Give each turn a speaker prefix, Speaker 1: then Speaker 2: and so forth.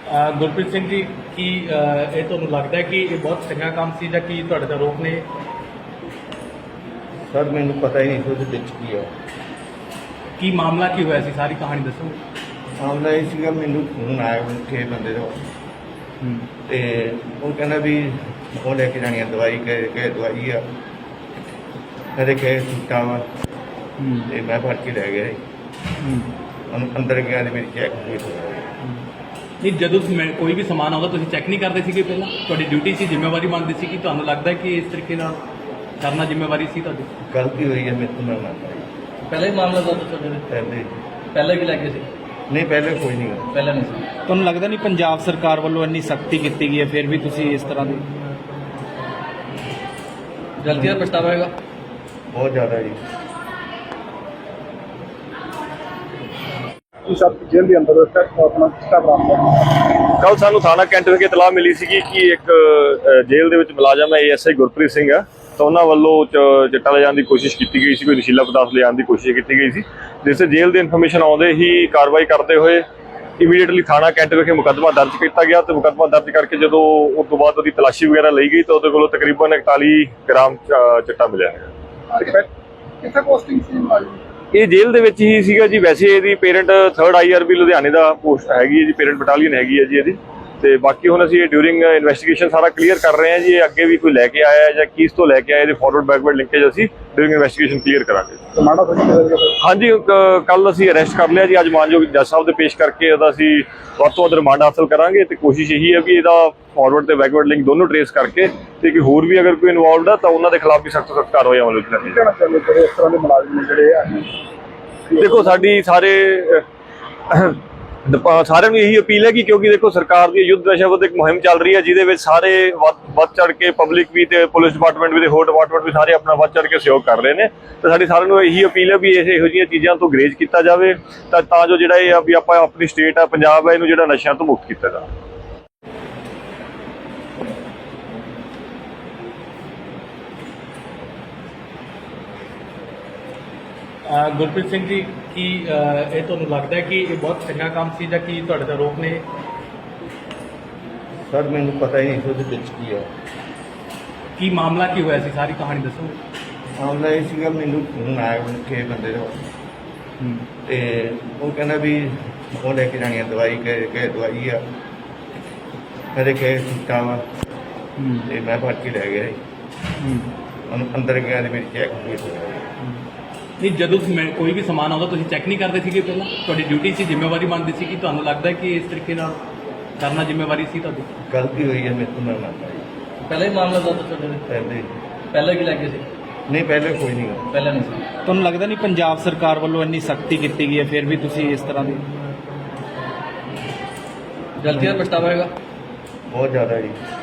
Speaker 1: ਗੁਰਪ੍ਰੀਤ ਸਿੰਘ ਜੀ ਕੀ ਇਹ ਤੁਹਾਨੂੰ ਲੱਗਦਾ ਹੈ ਕਿ ਇਹ ਬਹੁਤ ਚੰਗਾ ਕੰਮ ਸੀ ਜਾਂ ਕੀ ਤੁਹਾਡੇ ਤੇ ਆਰੋਪ ਨੇ?
Speaker 2: ਸਰ ਮੈਨੂੰ ਪਤਾ ਹੀ ਨਹੀਂ ਸੀ ਉਹਦੇ ਵਿੱਚ ਕੀ ਆ।
Speaker 1: ਕੀ ਮਾਮਲਾ ਕੀ ਹੋਇਆ ਸੀ, ਸਾਰੀ ਕਹਾਣੀ ਦੱਸੋ।
Speaker 2: ਮਾਮਲਾ ਇਹ ਸੀਗਾ, ਮੈਨੂੰ ਫੋਨ ਆਇਆ ਕਿਸੇ ਬੰਦੇ ਦਾ ਤੇ ਉਹ ਕਹਿੰਦਾ ਵੀ ਉਹ ਲੈ ਕੇ ਜਾਣੀ ਆ ਦਵਾਈ, ਕਿ ਦਵਾਈ ਆ ਕਦੇ ਕਹੇ ਸੁੱਟਾ ਵਾ ਤੇ ਮੈਂ ਫੜ ਕੇ ਲੈ ਗਿਆ ਜੀ। ਅੰਦਰ ਗਿਆ ਤੇ ਮੇਰੀ ਚੈੱਕ ਹੋਈ।
Speaker 1: ਨਹੀਂ, ਜਦੋਂ ਕੋਈ ਵੀ ਸਮਾਨ ਆਉਂਦਾ ਤੁਸੀਂ ਚੈੱਕ ਨਹੀਂ ਕਰਦੇ ਸੀਗੇ ਪਹਿਲਾਂ? ਤੁਹਾਡੀ ਡਿਊਟੀ ਸੀ, ਜ਼ਿੰਮੇਵਾਰੀ ਬਣਦੀ ਸੀ ਕਿ ਤੁਹਾਨੂੰ ਲੱਗਦਾ ਹੈ ਕਿ ਇਸ ਤਰੀਕੇ ਨਾਲ ਕਰਨਾ ਜ਼ਿੰਮੇਵਾਰੀ ਸੀ ਤੁਹਾਡੀ?
Speaker 2: ਗਲਤੀ ਹੋਈ ਹੈ ਮੇਰੇ ਤੋਂ, ਮੈਂ ਮੰਨਦਾ।
Speaker 3: ਪਹਿਲਾਂ ਹੀ ਮਾਮਲਾ ਦਰਜ ਚੱਲ ਰਿਹਾ? ਪਹਿਲਾਂ ਵੀ ਲੱਗੇ ਸੀ?
Speaker 2: ਨਹੀਂ, ਪਹਿਲੇ ਕੋਈ ਨਹੀਂ ਗਾ।
Speaker 3: ਪਹਿਲਾਂ ਨਹੀਂ ਸੀ।
Speaker 4: ਤੁਹਾਨੂੰ ਲੱਗਦਾ ਨਹੀਂ ਪੰਜਾਬ ਸਰਕਾਰ ਵੱਲੋਂ ਇੰਨੀ ਸਖਤੀ ਕੀਤੀ ਗਈ ਹੈ ਫਿਰ ਵੀ ਤੁਸੀਂ ਇਸ ਤਰ੍ਹਾਂ ਦੀ
Speaker 3: ਗਲਤੀ ਦਾ ਪਛਤਾਵਾ ਹੈਗਾ?
Speaker 2: ਬਹੁਤ ਜ਼ਿਆਦਾ ਜੀ।
Speaker 5: ਸਭ ਜੇਲ੍ਹ ਦੇ ਅੰਦਰ ਆਪਣਾ ਕਿਸਾ ਬਰਾਮਦ
Speaker 6: ਕੱਲ ਸਾਨੂੰ ਥਾਣਾ ਕੈਂਟ ਵਿਖੇ ਇਤਲਾਹ ਮਿਲੀ ਸੀਗੀ ਕਿ ਇੱਕ ਜੇਲ੍ਹ ਦੇ ਵਿੱਚ ਮੁਲਾਜ਼ਮ ਹੈ ASI ਗੁਰਪ੍ਰੀਤ ਸਿੰਘ ਆ, ਤਾਂ ਉਹਨਾਂ ਵੱਲੋਂ ਚਿੱਟਾ ਲਿਜਾਣ ਦੀ ਕੋਸ਼ਿਸ਼ ਕੀਤੀ ਗਈ ਸੀ, ਕੋਈ ਨਸ਼ੀਲਾ ਪਦਾਰਥ ਲਿਜਾਣ ਦੀ ਕੋਸ਼ਿਸ਼ ਕੀਤੀ ਗਈ ਸੀ, ਜਿਸ ਤੇ ਜੇਲ੍ਹ ਦੀ ਇਨਫੋਰਮੇਸ਼ਨ ਆਉਂਦੇ ਹੀ ਕਾਰਵਾਈ ਕਰਦੇ ਹੋਏ ਇਮੀਡੀਏਟਲੀ ਥਾਣਾ ਕੈਂਟ ਵਿਖੇ ਮੁਕੱਦਮਾ ਦਰਜ ਕੀਤਾ ਗਿਆ। ਤੇ ਮੁਕੱਦਮਾ ਦਰਜ ਕਰਕੇ ਜਦੋਂ ਉਸ ਤੋਂ ਬਾਅਦ ਉਹਦੀ ਤਲਾਸ਼ੀ ਵਗੈਰਾ ਲਈ ਗਈ ਤਾਂ ਉਹਦੇ ਕੋਲੋਂ ਤਕਰੀਬਨ 41 ਗ੍ਰਾਮ ਚਿੱਟਾ ਮਿਲਿਆ ਹੈ।
Speaker 5: ਕਿੱਥੇ ਪੋਸਟਿੰਗ ਸੀ?
Speaker 6: ਇਹ ਜੇਲ੍ਹ ਦੇ ਵਿੱਚ ਹੀ ਸੀਗਾ ਜੀ। ਵੈਸੇ ਇਹਦੀ ਪੇਰੈਂਟ 3rd IRB ਲੁਧਿਆਣੇ ਦਾ ਪੋਸਟ ਹੈਗੀ ਹੈ ਜੀ, ਪੇਰੈਂਟ ਬਟਾਲੀਅਨ ਹੈਗੀ ਹੈ ਜੀ ਇਹਦੀ। ਤੇ ਬਾਕੀ ਹੁਣ ਅਸੀਂ ਇਹ ਡਿਊਰਿੰਗ ਇਨਵੈਸਟੀਗੇਸ਼ਨ ਸਾਰਾ ਕਲੀਅਰ ਕਰ ਰਹੇ ਹਾਂ ਜੀ। ਇਹ ਅੱਗੇ ਵੀ ਕੋਈ ਲੈ ਕੇ ਆਇਆ ਜਾਂ ਕਿਸ ਤੋਂ ਲੈ ਕੇ ਆਇਆ, ਇਹਦੇ ਫਾਰਵਰਡ ਬੈਕਵਰਡ ਲਿੰਕੇਜ ਅਸੀਂ ਡਿਊਰਿੰਗ ਇਨਵੈਸਟੀਗੇਸ਼ਨ ਕਲੀਅਰ ਕਰਾਂਗੇ। ਹਾਂਜੀ, ਕੱਲ ਅਸੀਂ ਅਰੈਸਟ ਕਰ ਲਿਆ ਜੀ। ਅੱਜ ਮਾਨਯੋਗ ਜੱਜ ਸਾਹਿਬ ਦੇ ਪੇਸ਼ ਕਰਕੇ ਉਹਦਾ ਅਸੀਂ ਵੱਧ ਤੋਂ ਵੱਧ ਰਿਮਾਂਡ ਹਾਸਲ ਕਰਾਂਗੇ ਤੇ ਕੋਸ਼ਿਸ਼ ਇਹੀ ਹੈ ਵੀ ਇਹਦਾ ਫਾਰਵਰਡ ਤੇ ਬੈਕਵਰਡ ਲਿੰਕ ਦੋਨੋਂ ਟ੍ਰੇਸ ਕਰਕੇ ਤੇ ਕਿ ਹੋਰ ਵੀ ਅਗਰ ਕੋਈ ਇਨਵੋਲਵਡ ਹੈ ਤਾਂ ਉਹਨਾਂ ਦੇ ਖਿਲਾਫ ਵੀ ਸਖਤ ਤੋਂ ਸਖਤ ਕਾਰਵਾਈ ਅਮਲ ਵਿੱਚ ਲਿਆਂਦੀ ਜਾਵੇ।
Speaker 5: ਇਸ ਤਰ੍ਹਾਂ ਦੇ ਮੁਲਾਜ਼ਮ ਜਿਹੜੇ ਆ
Speaker 6: ਦੇਖੋ, ਸਾਡੀ ਸਾਰਿਆਂ ਨੂੰ ਇਹੀ ਅਪੀਲ ਹੈ ਕਿ ਕਿਉਂਕਿ ਦੇਖੋ ਸਰਕਾਰ ਦੀ ਯੁੱਧ ਨਸ਼ਾ ਵਿਰੁੱਧ ਇੱਕ ਮੁਹਿੰਮ ਚੱਲ ਰਹੀ ਹੈ, ਜਿਹਦੇ ਵਿੱਚ ਸਾਰੇ ਵੱਧ ਚੜ ਕੇ ਪਬਲਿਕ ਵੀ ਤੇ ਪੁਲਿਸ ਡਿਪਾਰਟਮੈਂਟ ਵੀ ਤੇ ਹੋਰ ਡਿਪਾਰਟਮੈਂਟ ਵੀ ਸਾਰੇ ਆਪਣਾ ਵੱਧ ਚੜ ਕੇ ਸਹਿਯੋਗ ਕਰ ਰਹੇ ਨੇ। ਤੇ ਸਾਡੀ ਸਾਰਿਆਂ ਨੂੰ ਇਹੀ ਅਪੀਲ ਹੈ ਵੀ ਇਹੋ ਜਿਹੀਆਂ ਚੀਜ਼ਾਂ ਤੋਂ ਗਰੇਜ਼ ਕੀਤਾ ਜਾਵੇ ਤਾਂ ਜੋ ਜਿਹੜਾ ਇਹ ਆ ਵੀ ਆਪਾਂ ਆਪਣੀ ਸਟੇਟ ਆ ਪੰਜਾਬ ਹੈ ਇਹਨੂੰ ਜਿਹੜਾ ਨਸ਼ਿਆਂ ਤੋਂ ਮੁਕਤ ਕੀਤਾ ਜਾਵੇ।
Speaker 1: ਗੁਰਪ੍ਰੀਤ ਸਿੰਘ ਜੀ ਕੀ ਇਹ ਤੁਹਾਨੂੰ ਲੱਗਦਾ ਹੈ ਕਿ ਇਹ ਬਹੁਤ ਚੰਗਾ ਕੰਮ ਸੀ ਜਾਂ ਕੀ ਤੁਹਾਡੇ ਤੇ ਆਰੋਪ ਨੇ?
Speaker 2: ਸਰ ਮੈਨੂੰ ਪਤਾ ਹੀ ਨਹੀਂ ਸੀ ਉਹਦੇ ਵਿੱਚ ਕੀ ਆ।
Speaker 1: ਕੀ ਮਾਮਲਾ ਕੀ ਹੋਇਆ ਸੀ, ਸਾਰੀ ਕਹਾਣੀ ਦੱਸੋ।
Speaker 2: ਮਾਮਲਾ ਇਹ ਸੀਗਾ, ਮੈਨੂੰ ਫੋਨ ਆਇਆ ਕਿਸੇ ਬੰਦੇ ਦਾ ਤੇ ਉਹ ਕਹਿੰਦਾ ਵੀ ਉਹ ਲੈ ਕੇ ਜਾਣੀ ਆ ਦਵਾਈ, ਕਿ ਦਵਾਈ ਆ ਕਦੇ ਕਹੇ ਸੁੱਟਾ ਵਾ ਤੇ ਮੈਂ ਫੜ ਕੇ ਲੈ ਗਿਆ ਜੀ। ਅੰਦਰ ਗਿਆ ਤੇ ਮੇਰੀ ਚੈੱਕ ਹੋਈ।
Speaker 1: ਨਹੀਂ, ਜਦੋਂ ਕੋਈ ਵੀ ਸਮਾਨ ਆਉਂਦਾ ਤੁਸੀਂ ਚੈੱਕ ਨਹੀਂ ਕਰਦੇ ਸੀਗੇ ਪਹਿਲਾਂ? ਤੁਹਾਡੀ ਡਿਊਟੀ ਸੀ, ਜ਼ਿੰਮੇਵਾਰੀ ਬਣਦੀ ਸੀ ਕਿ ਤੁਹਾਨੂੰ ਲੱਗਦਾ ਹੈ ਕਿ ਇਸ ਤਰੀਕੇ ਨਾਲ ਕਰਨਾ ਜ਼ਿੰਮੇਵਾਰੀ ਸੀ ਤੁਹਾਡੀ?
Speaker 2: ਗਲਤੀ ਹੋਈ ਹੈ ਮੇਰੇ ਤੋਂ, ਮੈਂ ਮੰਨਦਾ।
Speaker 3: ਪਹਿਲਾਂ ਹੀ ਮਾਮਲਾ ਦਰਜ ਚੱਲ ਰਿਹਾ? ਪਹਿਲਾਂ ਵੀ ਲੱਗੇ ਸੀ?
Speaker 2: ਨਹੀਂ, ਪਹਿਲੇ ਕੋਈ ਨਹੀਂ ਗਾ।
Speaker 3: ਪਹਿਲਾਂ ਨਹੀਂ ਸੀ।
Speaker 4: ਤੁਹਾਨੂੰ ਲੱਗਦਾ ਨਹੀਂ ਪੰਜਾਬ ਸਰਕਾਰ ਵੱਲੋਂ ਇੰਨੀ ਸਖਤੀ ਕੀਤੀ ਗਈ ਹੈ ਫਿਰ ਵੀ ਤੁਸੀਂ ਇਸ ਤਰ੍ਹਾਂ ਦੀ
Speaker 3: ਗਲਤੀ ਦਾ ਪਛਤਾਵਾ ਹੈਗਾ?
Speaker 2: ਬਹੁਤ ਜ਼ਿਆਦਾ ਜੀ।